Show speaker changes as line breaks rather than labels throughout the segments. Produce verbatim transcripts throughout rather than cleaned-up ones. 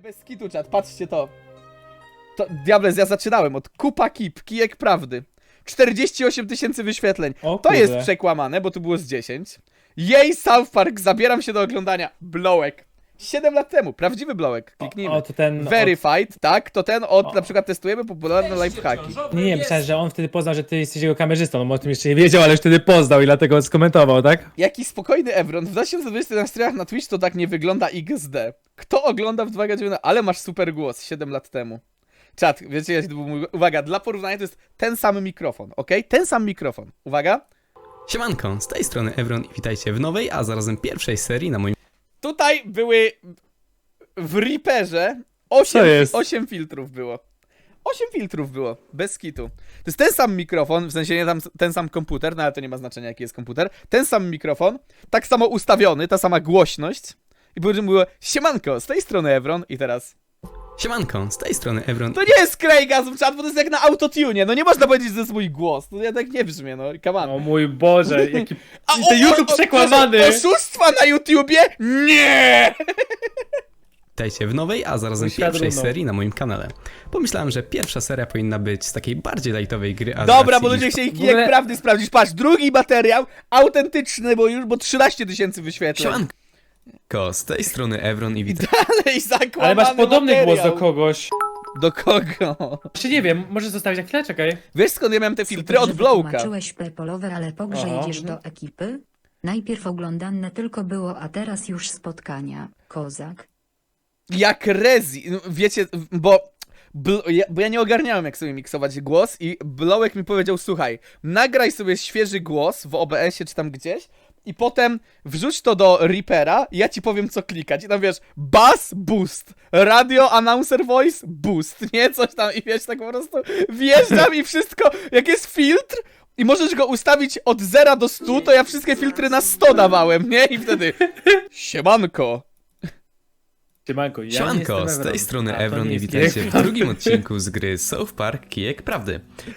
Bez kitu, czat, patrzcie to. To, Diables, ja zaczynałem od Kupa Kip, kijek prawdy. czterdzieści osiem tysięcy wyświetleń.
O
To jest
kurde.
przekłamane, bo tu było z dziesięć. Jej, South Park, zabieram się do oglądania. Blołek. siedem lat temu, prawdziwy Blołek. Kliknijmy.
O, to ten...
Verified, tak? To ten od,
O.
na przykład testujemy popularne lifehacki.
Od... Nie, nie, myślałem, że on wtedy poznał, że ty jesteś jego kamerzystą, no bo o tym jeszcze nie wiedział, ale już wtedy poznał i dlatego skomentował, tak?
Jaki spokojny Evron. W dwa tysiące dwudziestym na streamach na Twitch to tak nie wygląda X D. Kto ogląda w dwa tysiące dziewiętnastym? Ale masz super głos, siedem lat temu. Czat, wiecie, to był mój... Uwaga, dla porównania to jest ten sam mikrofon, ok? Ten sam mikrofon. Uwaga.
Siemanko, z tej strony Evron i witajcie w nowej, a zarazem pierwszej serii na moim
Tutaj były w Reaperze osiem,
Co jest?
osiem filtrów było. osiem filtrów było, bez kitu. To jest ten sam mikrofon, w sensie nie tam ten sam komputer, no ale to nie ma znaczenia jaki jest komputer. Ten sam mikrofon, tak samo ustawiony, ta sama głośność. I później było siemanko, z tej strony Evron i teraz...
Siemanko, z tej strony Evron.
To nie jest Craigasm, czat, bo to jest jak na autotune, no nie można powiedzieć, że to jest mój głs. To ja tak nie brzmię, no, come on.
O mój Boże, jaki...
A,
ten YouTube przekłamany!
Oszustwa na YouTubie? Nie!
Witajcie w nowej, a zarazem
Świat
pierwszej
runął.
serii na moim kanale. Pomyślałem, że pierwsza seria powinna być z takiej bardziej lightowej gry, a z
Dobra,
racji
bo ludzie
iż-
chcieli
w
kijek
ogóle-
prawdy sprawdzić. Patrz, drugi materiał, autentyczny, bo już, bo trzynaście tysięcy wyświetleń.
Siemanko, z tej strony Evron i witajcie.
Dalej zakłamany
Ale masz podobny
materiał.
głos do kogoś.
Do kogo?
Czy nie wiem, możesz zostawić na chwilę, czekaj.
Wiesz skąd ja miałem te filtry?
Super,
Od
że
Blowka.
wytłumaczyłeś Pepolowe, ale po grze
Aha.
jedziesz do ekipy? Najpierw oglądane tylko było, a teraz już spotkania. Kozak.
Jak Rezi, no, wiecie, bo... Bl- ja, bo ja nie ogarniałem, jak sobie miksować głos i Blowek mi powiedział, słuchaj, nagraj sobie świeży głos w O B S ie czy tam gdzieś i potem wrzuć to do Reapera i ja ci powiem, co klikać. I tam wiesz, bass, boost, radio, announcer voice, boost, nie? Coś tam i wiesz, tak po prostu wjeżdżam i wszystko, jak jest filtr i możesz go ustawić od zera do stu, to ja wszystkie filtry na sto dawałem, nie? I wtedy, siemanko.
Siemanko, ja nie
Siemanko,
jestem
z tej
Evron.
strony
A, to
Evron
nie
i
jest
witajcie
kijek
w drugim odcinku z gry South Park Kijek Prawdy.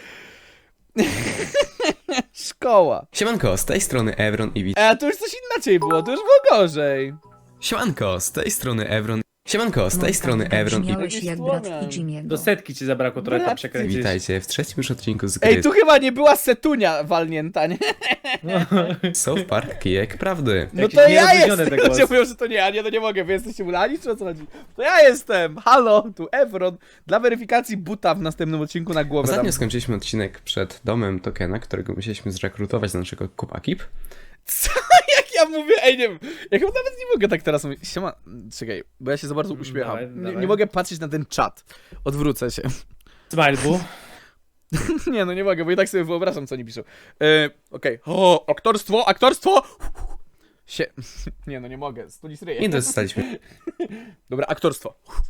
Szkoła.
Siemanko, z tej strony Evron i witajcie.
E, a to już coś inaczej było, to już było gorzej.
Siemanko, z tej strony Evron. Siemanko, z tej
No,
strony
tak,
Evron i
brzmiałeś
Jakiś
jak brat
słomian.
i Jimmy'ego.
Do setki ci zabrakło trochę tam
Brat,
przekręcić.
witajcie w trzecim już odcinku z gry
Ej, tu chyba nie była setunia walnięta, nie?
South Park Kijek Prawdy.
No
Jakiś
to ja
nierozluźniony
jestem.
ten
Ludzie
głos.
mówią, że to nie ja, nie, to nie mogę, wy jesteście ulani, czy o co chodzi? To ja jestem, halo, tu Evron. Dla weryfikacji buta w następnym odcinku na głowę
Ostatnio
dam.
skończyliśmy odcinek przed domem Tokena, którego musieliśmy zrekrutować do naszego Kupa Kip.
Co? Jak ja mówię? Ej, nie wiem, ja chyba nawet nie mogę tak teraz mówić. Siema, czekaj, bo ja się za bardzo uśmiecham.
Dawaj,
Nie,
dawaj.
nie mogę patrzeć na ten czat. Odwrócę się.
Smile bu.
Nie, no nie mogę, bo i tak sobie wyobrażam, co oni piszą. E, Okej, o, aktorstwo, aktorstwo! Sie... Nie, no nie mogę, stulis ryje.
I dostaliśmy
Dobra, aktorstwo.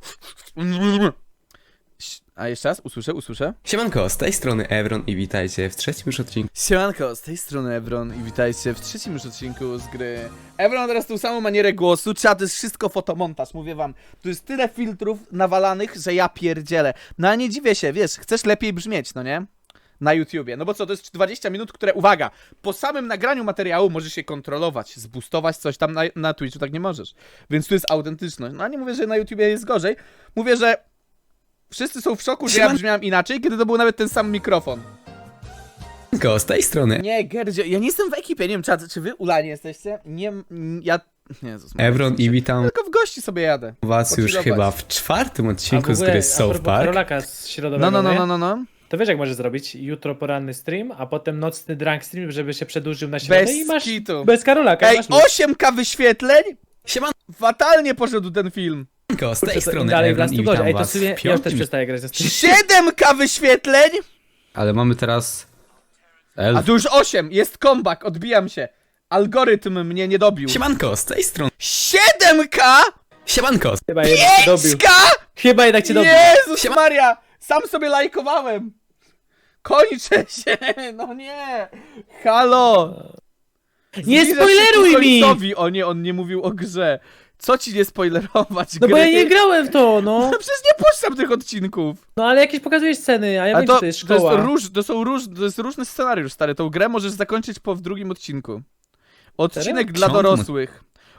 A jeszcze raz? Usłyszę, usłyszę.
Siemanko, z tej strony Evron i witajcie w trzecim już odcinku
Siemanko, z tej strony Evron i witajcie w trzecim już odcinku z gry. Evron ma teraz tą samą manierę głosu, trzeba, to jest wszystko fotomontaż, mówię wam. Tu jest tyle filtrów nawalanych, że ja pierdzielę. No ale nie dziwię się, wiesz, chcesz lepiej brzmieć, no nie? Na YouTubie. No bo co, to jest dwadzieścia minut, które, uwaga, po samym nagraniu materiału możesz się kontrolować, zboostować coś tam na, na Twitchu, tak nie możesz. Więc tu jest autentyczność. No a nie mówię, że na YouTubie jest gorzej. Mówię, że wszyscy są w szoku, że ja
Sieman-
brzmiałem inaczej, kiedy to był nawet ten sam mikrofon.
z tej strony
Nie, Gerdzie, ja nie jestem w ekipie, nie wiem, czat, czy wy ulani jesteście? Nie, m, ja... Nie, Jezus,
Evron i witam
tylko w gości sobie jadę.
was już
Pochillować.
chyba w czwartym
A w
odcinku z
ogóle,
gry
a
South
propos
Park.
Karolaka z środowego,
No, no, no,
nie?
no, no, no.
To wiesz jak możesz zrobić? Jutro poranny stream, a potem nocny drunk stream, żeby się przedłużył na środę
Bez
i masz...
kitu.
Bez Karolaka,
Ej,
masz luz.
osiem ka wyświetleń?
Siemanko,
Fatalnie poszedł ten film.
z tej
Kurczę, to
strony
dalej w
Evron
Last
i
Gorzej.
witam
Ej, to
was
sobie,
w
ja już też
piątym...
przestaję grać ze stream.
siedem ka wyświetleń?
Ale mamy teraz... Elf.
A tu już osiem, jest comeback, odbijam się. Algorytm mnie nie dobił.
Siemanko, z tej strony...
siedem ka?
Siemanko,
Chyba jednak cię dobił.
pięć ka?
Chyba jednak cię dobił.
Jezus
Siema-
Maria! Sam sobie lajkowałem! Kończę się! No nie! Halo!
Nie
Zbliżasz się
spoileruj
ku
mi!
końcowi. O nie, on nie mówił o grze. Co ci nie spoilerować
No bo
gry?
ja nie grałem w to, no.
No przecież nie puszczam tych odcinków.
No ale jakieś pokazujesz sceny, a ja
A
wiem,
to,
że to jest
to, jest
szkoła.
róż, to są róż, to jest różny scenariusz, stary. Tą grę możesz zakończyć po w drugim odcinku. Odcinek
Serio?
dla
Ciągle.
dorosłych.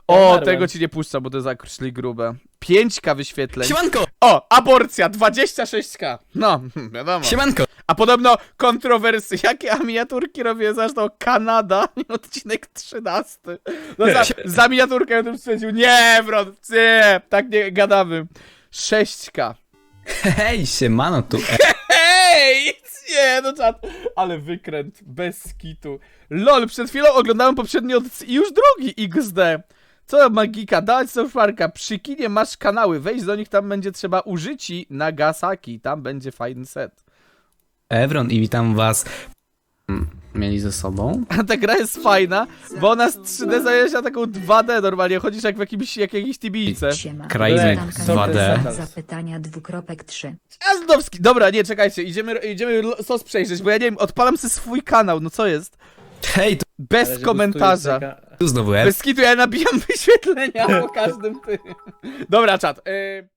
O,
umarłem.
tego ci nie puszczam, bo to jest akurat grube. pięć ka wyświetleń.
Siemanko!
O, aborcja, dwadzieścia sześć ka. No, wiadomo.
Siemanko!
A podobno kontrowersje. Jakie a miniaturki robię? Zresztą Kanada, odcinek trzynasty. No za, za miniaturkę ja bym stwierdził, nie, bro, nie, tak nie gadamy. sześć ka.
Hej, siemano tu.
Hej! Nie, no czad. Ale wykręt, bez kitu. Lol, przed chwilą oglądałem poprzedni odcinek i już drugi iks de. Co magika, dać South Parka, przy kinie masz kanały, wejść do nich, tam będzie trzeba użyci Nagasaki, tam będzie fajny set.
Evron i witam was. Mm, Mieli ze sobą?
A ta gra jest fajna, bo ona z trzy de zajęła się na taką dwa de normalnie, chodzisz jak w jakimś, jak jakiejś tibijce.
Siema.
Krainek
Black,
dwa de.
Zapytania dwukropek trzy.
Azdowski, dobra, nie, czekajcie, idziemy, idziemy sos przejrzeć, bo ja nie wiem, odpalam sobie swój kanał, no co jest?
Hej, tu,
Bez
Ale że
komentarza.
boostuje czeka-
tu znowu Ev.
Bez kitu ja nabijam wyświetlenia po każdym tym. Dobra, czat. Yy...